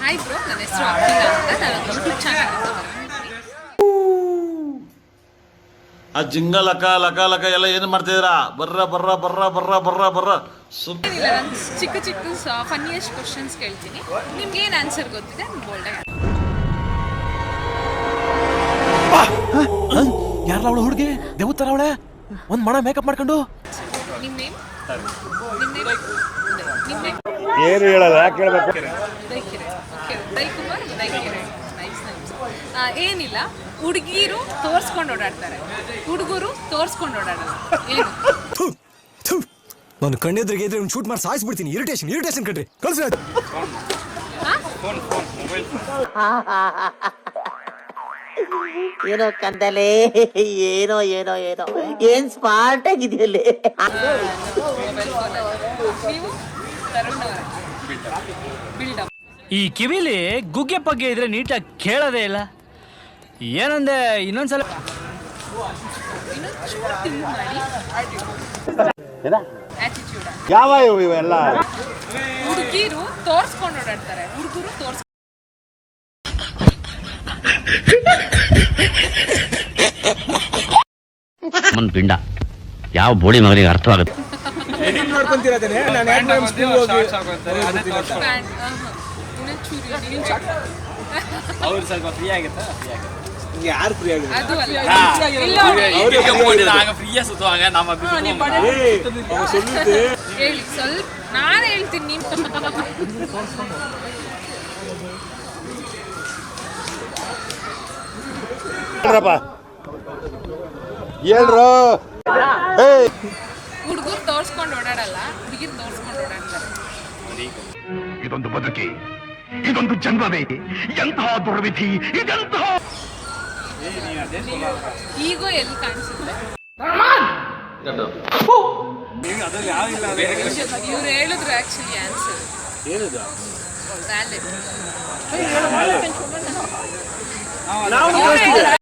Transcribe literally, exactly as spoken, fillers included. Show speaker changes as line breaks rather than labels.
Hi bro, ನನ್ನ ಹೆಸರು ಅಖಿಲ ಅಂತ. ನಾನು ಯೂಟ್ಯೂಬ್ ಚಾನಲ್
ಆ ಜಿಂಗ ಲಕ ಲಕ ಲಕ ಎಲ್ಲ ಏನು ಮಾಡ್ತಿದ್ದೀರಾ? ಬರ್ರ ಬರ್ರ ಬರ್ರ ಬರ್ರ ಬರ್ರ ಬರ್ರ
ಏನಿಲ್ಲ, ನಾನು ಚಿಕ್ಕ ಚಿಕ್ಕ ಫನ್ನಿಯಸ್ಟ್ ಕ್ವಶನ್ಸ್ ಕೇಳ್ತೀನಿ. ನಿಮ್ಗೆ ಏನು ಆನ್ಸರ್ ಗೊತ್ತಿದೆ ಬೋಲ್ಡ್ ಆಗಿ.
ಯಾರ ಅವಳು ಹುಡುಗಿ ದೇವತರ ಅವಳೆ ಒಂದ್ ಮಣ ಮೇಕಪ್ ಮಾಡ್ಕೊಂಡು
ನಿಮ್ಮ ನೇಮ್ ನಿಮ್ಮ ನೇಮ್ ನಿಮ್ಮ ನೇಮ್
ಏನು ಹೇಳಲ್ಲ, ಯಾಕೆ ಹೇಳ್ಬೇಕು?
ದೈಕಿರೆ. ಓಕೆ, ದೈಕುಮಾರ್ ದೈಕಿರೆ. Nice nice. ಏನಿಲ್ಲ, ಹುಡುಗಿರು ತೋರಿಸ್ಕೊಂಡು ಓಡಾಡ್ತಾರೆ, ಹುಡುಗರು ತೋರಿಸ್ಕೊಂಡು ಓಡಾಡಲ್ಲ. ಏನು?
ನಾನು ಕಣ್ಣೆದ್ರಿಗೆ ಇದ್ರೆ ಒಂದು ಶೂಟ್ ಮಾಡಿ ಸಾಯಿಸ್ಬಿಡ್ತೀನಿ. ಇರಿಟೇಷನ್ ಇರಿಟೇಷನ್ ಕಣ್ರಿ, ಕಳ್ಸಿ.
ಏನೋ ಕಂದಲೆ, ಏನೋ ಏನೋ ಏನೋ ಏನ್ ಸ್ಮಾರ್ಟ್ ಆಗಿದೆಯಲ್ಲಿ.
ನೀವು ತರುಣ್ ಅವರ ಬಿಲ್ಡಪ್.
ಈ ಕಿವಿಲಿ ಗುಗ್ಗೆ ಪಗ್ಗೆ ಇದ್ರೆ ನೀಟಾಗಿ ಕೇಳೋದೇ ಇಲ್ಲ. ಏನಂದೆ ಇನ್ನೊಂದ್ಸಲ
ಇನ್ನೊಂದು ಚೂರು ತಿಂಗ್ ಮಾಡಿ. ಆಟಿಟ್ಯೂಡ್.
ಯಾವ ಇವೆಲ್ಲ
ಹುಡುಗಿರು ತೋರಿಸ್ಕೊಂಡು ಓಡಾಡ್ತಾರೆ, ಹುಡುಗರು ತೋರ್ಸ್
ಮನ್ ಪಿಂಡ ಯಾವ ಬೋಳಿ ಮಗನಿಗೆ ಅರ್ಥವಾಗುತ್ತೆ.
ಇನ್ನೊಂದು ಚೂರು
ಸ್ವಲ್ಪ ಫ್ರೀ ಆಗುತ್ತಾ?
ಯಾರು ಫ್ರೀ ಆಗಿದೆ?
ಅದು ಅಲ್ಲ. ಇಲ್ಲ ಹೇಳಿ ಸ್ವಲ್ಪ, ನಾನು ಹೇಳ್ತೀನಿ. ನೀವು
ಹೇಳ್ರಪ್ಪ, ಹೇಳ್ರು.
ಹುಡುಗರು ತೋರ್ಸ್ಕೊಂಡು ಓಡಾಡಲ್ಲ, ಹುಡುಗಿರು ತೋರ್ಸ್ಕೊಂಡು ಓಡಾಡ್ತಾರೆ.
ಇದೊಂದು ಬದುಕಿ, ಇದೊಂದು ಜನ್ಮವೇ, ಎಂತಹ ದುರ್ವಿಧಿ ಇದೆಂತಹ.
ಈಗೋ ಎಲ್ಲಿ ಕಾಣಿಸುತ್ತೆ? ಇವ್ರು ಹೇಳಿದ್ರು ಆಕ್ಚುಲಿ ಆನ್ಸರ್. ವ್ಯಾಲಿಡ್.